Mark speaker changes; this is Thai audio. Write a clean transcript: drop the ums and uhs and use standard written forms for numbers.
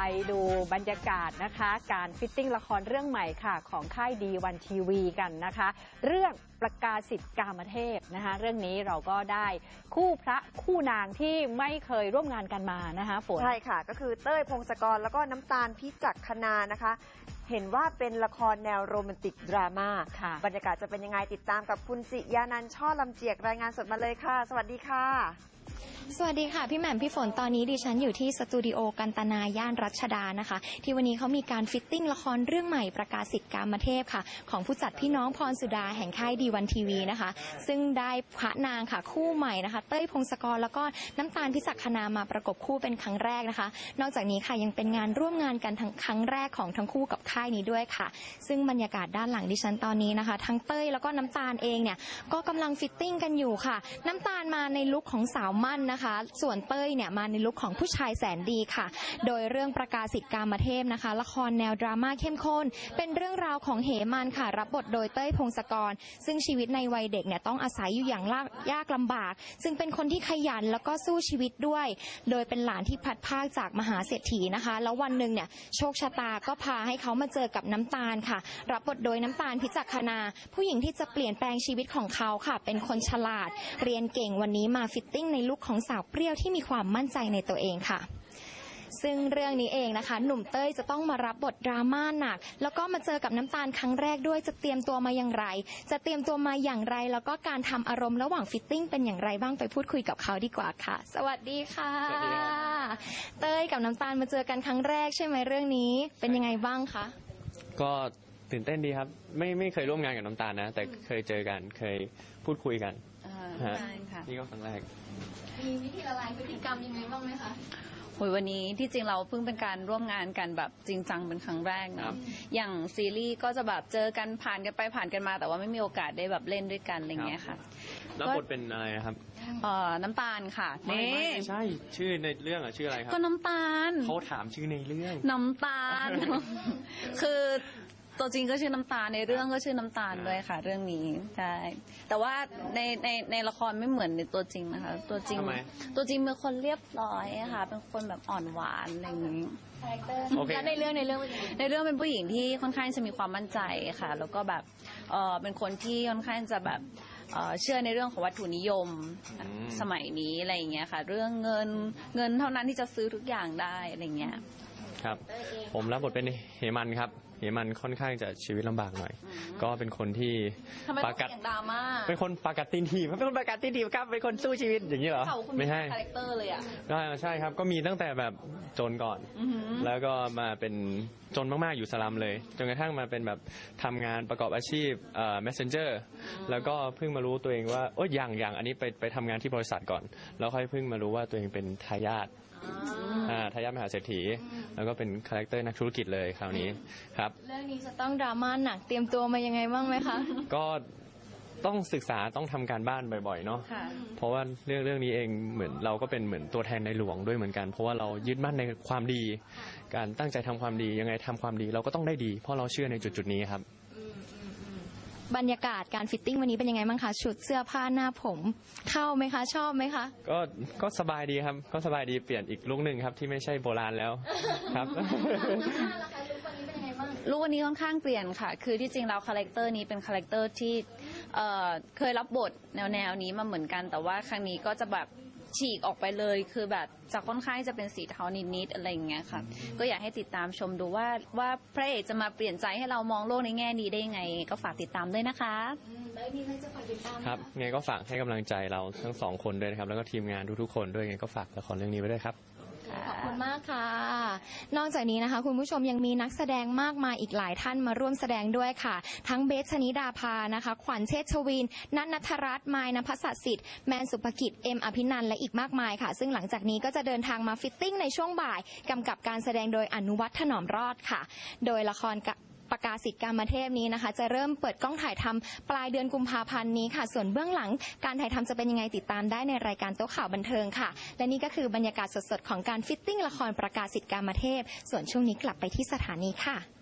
Speaker 1: ดูบรรยากาศนะคะการฟิตติ้งละครเรื่องใหม่ค่ะของค่ายดีวันทีวีกันนะคะเรื่องประกาศสิทธิ์กามเทพนะคะเรื่องนี้เราก็ได้คู่พระคู่นางที่ไม่เคยร่วมงานกันมานะคะฝน
Speaker 2: ใช่ค่ะก็คือเต้ยพงศกรแล้วก็น้ำตาลพิจักคณานะคะเห็นว่าเป็นละครแนวโรแมนติกดราม่าบรรยากาศจะเป็นยังไงติดตามกับคุณจิยานันท์ช่อลำเจียกรายงานสดมาเลยค่ะสวัสดีค่ะ
Speaker 3: สวัสดีค่ะพี่แหม่มพี่ฝนตอนนี้ดิฉันอยู่ที่สตูดิโอกันตนาย่านรัชดานะคะที่วันนี้เขามีการฟิตติ้งละครเรื่องใหม่ประกาศสิทธิ์กามเทพค่ะของผู้จัดพี่น้องพรสุดาแห่งค่ายดีวันทีวีนะคะซึ่งได้พระนางค่ะคู่ใหม่นะคะเต้ยพงศกรแล้วก็น้ำตาลพิจักคณามาประกบคู่เป็นครั้งแรกนะคะนอกจากนี้ค่ะยังเป็นงานร่วมงานกันทั้งครั้งแรกของทั้งคู่กับค่ายนี้ด้วยค่ะซึ่งบรรยากาศด้านหลังดิฉันตอนนี้นะคะทั้งเต้ยแล้วก็น้ำตาลเองเนี่ยก็กำลังฟิตติ้งกันอยู่ค่ะน้ำตาลมาในลุคของสาวมั่นนะคะส่วนเต้ยเนี่ยมาในลุคของผู้ชายแสนดีค่ะโดยเรื่องประกาศสิทธิ์กามเทพนะคะละครแนวดราม่าเข้มข้นเป็นเรื่องราวของเหมันค่ะรับบทโดยเต้ยพงศกรซึ่งชีวิตในวัยเด็กเนี่ยต้องอาศัยอยู่อย่างยากลำบากซึ่งเป็นคนที่ขยันแล้วก็สู้ชีวิตด้วยโดยเป็นหลานที่พัดภาคจากมหาเศรษฐีนะคะแล้ววันหนึ่งเนี่ยโชคชะตาก็พาให้เขามาเจอกับน้ำตาลค่ะรับบทโดยน้ำตาลพิจักคณาผู้หญิงที่จะเปลี่ยนแปลงชีวิตของเขาค่ะเป็นคนฉลาดเรียนเก่งวันนี้มาฟิตติ้งในลุคของสาวเปรี้ยวที่มีความมั่นใจในตัวเองค่ะซึ่งเรื่องนี้เองนะคะหนุ่มเต้ยจะต้องมารับบทดราม่าหนักแล้วก็มาเจอกับน้ำตาลครั้งแรกด้วยจะเตรียมตัวมาอย่างไรแล้วก็การทำอารมณ์ระหว่างฟิตติ้งเป็นอย่างไรบ้างไปพูดคุยกับเขาดีกว่าค่ะสวัสดีค่ะเต้ยกับน้ำตาลมาเจอกันครั้งแรกใช่ไหมเรื่องนี้เป็นยังไงบ้างคะ
Speaker 4: ก็ตื่นเต้นดีครับไม่เคยร่วมงานกับน้ำตาลนะแต่เคยเจอกันเคยพูดคุยกันนี่ก็ครั้งแรก
Speaker 3: มีวิธีละลายพฤติกรรมยังไงบ้างไหมคะ
Speaker 5: วันนี้ที่จริงเราเพิ่งเป็นการร่วมงานกันแบบจริงจังเป็นครั้งแรกเนาะอย่างซีรีส์ก็จะแบบเจอกันผ่านกันไปผ่านกันมาแต่ว่าไม่มีโอกาสได้แบบเล่นด้วยกันอะไรเงี้ยค่ะ
Speaker 4: แล้วบทเป็นอะไรครับ
Speaker 5: น้ำตาลค่ะ
Speaker 4: ไม่ใช่ชื่อในเรื่องชื่ออะไรครับ
Speaker 5: ก็น้ำตาล
Speaker 4: เขาถามชื่อในเรื่อง
Speaker 5: น้ำตาลคือตัวจริงก็ชื่อน้ำตาลในเรื่องก็ชื่อน้ำตาลด้วยค่ะเรื่องนี้ใช่แต่ว่าในละครไม่เหมือนในตัวจริงนะคะตัวจริงเป็นคนเรียบร้อยค่ะเป็นคนแบบอ่อนหวานอะไรอย่างนี้
Speaker 3: แล้วในเรื่อง
Speaker 5: เป็นผู้หญิงที่ค่อนข้างจะมีความมั่นใจค่ะแล้วก็แบบเป็นคนที่ค่อนข้างจะแบบเชื่อในเรื่องของวัตถุนิยมสมัยนี้อะไรอย่างเงี้ยค่ะเรื่องเงินเท่านั้นที่จะซื้อทุกอย่างได้อะไรเงี้ย
Speaker 4: ครับผมรับบทเป็นเหมันครับเหมันค่อนข้างจะชีวิตลำบากหน่อยก็เป็นคนที่
Speaker 5: ปากัด
Speaker 4: เป็นคนปากัดตีนถีบเป็นคนปากัดตีนถีบครับเป็นคนสู้ชีวิตอย่างนี้เหรอไม่ใช่
Speaker 5: คาแรคเตอร์เลยอ่ะ
Speaker 4: ใช่ครับก็มีตั้งแต่แบบจนก่อนแล้วก็มาเป็นจนมากๆอยู่สลัมเลยจนกระทั่งมาเป็นแบบทำงานประกอบอาชีพmessenger แล้วก็เพิ่งมารู้ตัวเองว่าอย่างอันนี้ไปทำงานที่บริษัทก่อนแล้วค่อยเพิ่งมารู้ว่าตัวเองเป็นทายาทมหาเศรษฐีแล้วก็เป็นคาแรคเตอร์นักธุรกิจเลยคราวนี้ครับ
Speaker 3: เรื่องนี้จะต้องดราม่าหนักเตรียมตัวมายังไงบ้างไหมคะ
Speaker 4: ก็ต้องศึกษาต้องทำการบ้านบ่อยๆเนาะเพราะว่าเรื่องนี้เองเหมือนเราก็เป็นเหมือนตัวแทนในหลวงด้วยเหมือนกันเพราะว่าเรายึดมั่นในความดีการตั้งใจทำความดียังไงทำความดีเราก็ต้องได้ดีเพราะเราเชื่อในจุดนี้ครับ
Speaker 3: บรรยากาศการฟิตติ้งวันนี้เป็นยังไงบ้างคะชุดเสื้อผ้าหน้าผมเข้าไหมคะชอบไหมคะ
Speaker 4: ก็สบายดีครับก็สบายดีเปลี่ยนอีกลุคนึงครับที่ไม่ใช่โบราณแล้วครับ
Speaker 5: ลุควันนี้ค่อนข้างเปลี่ยนค่ะคือที่จริงแล้วคาแรคเตอร์นี้เป็นคาแรคเตอร์ที่เคยรับบทแนวนี้มาเหมือนกันแต่ว่าครั้งนี้ก็จะแบบฉีกออกไปเลยคือแบบจะค่อนข้างจะเป็นสีเทานิดๆอะไรอย่างเงี้ยค่ะก็อยากให้ติดตามชมดูว่าพระเอกจะมาเปลี่ยนใจให้เรามองโลกในแง่ดีได้ยังไงก็ฝากติดตามด้วยนะคะ
Speaker 3: แล้วมีใครจะฝากติดตาม
Speaker 4: ครับไงก็ฝากให้กำลังใจเราทั้ง2 คนด้วยนะครับแล้วก็ทีมงานทุกๆคนด้วยไงก็ฝากละครเรื่องนี้ไว้ด้วยครับ
Speaker 3: ขอบคุณมากค่ะนอกจากนี้นะคะคุณผู้ชมยังมีนักแสดงมากมายอีกหลายท่านมาร่วมแสดงด้วยค่ะทั้งเบสชนิดาภานะคะขวัญเชษชวินนัทณัฐรัตน์มายณภัสสสิทธิ์แมนสุภกิจเอ็มอภินันท์และอีกมากมายค่ะซึ่งหลังจากนี้ก็จะเดินทางมาฟิตติ้งในช่วงบ่ายกำกับการแสดงโดยอนุวัฒน์ถนอมรอดค่ะโดยละครประกาศสิทธิ์กามเทพนี้นะคะจะเริ่มเปิดกล้องถ่ายทำปลายเดือนกุมภาพันธ์นี้ค่ะส่วนเบื้องหลังการถ่ายทำจะเป็นยังไงติดตามได้ในรายการโต๊ะข่าวบันเทิงค่ะและนี่ก็คือบรรยากาศสดๆของการฟิตติ้งละครประกาศสิทธิ์กามเทพส่วนช่วงนี้กลับไปที่สถานีค่ะ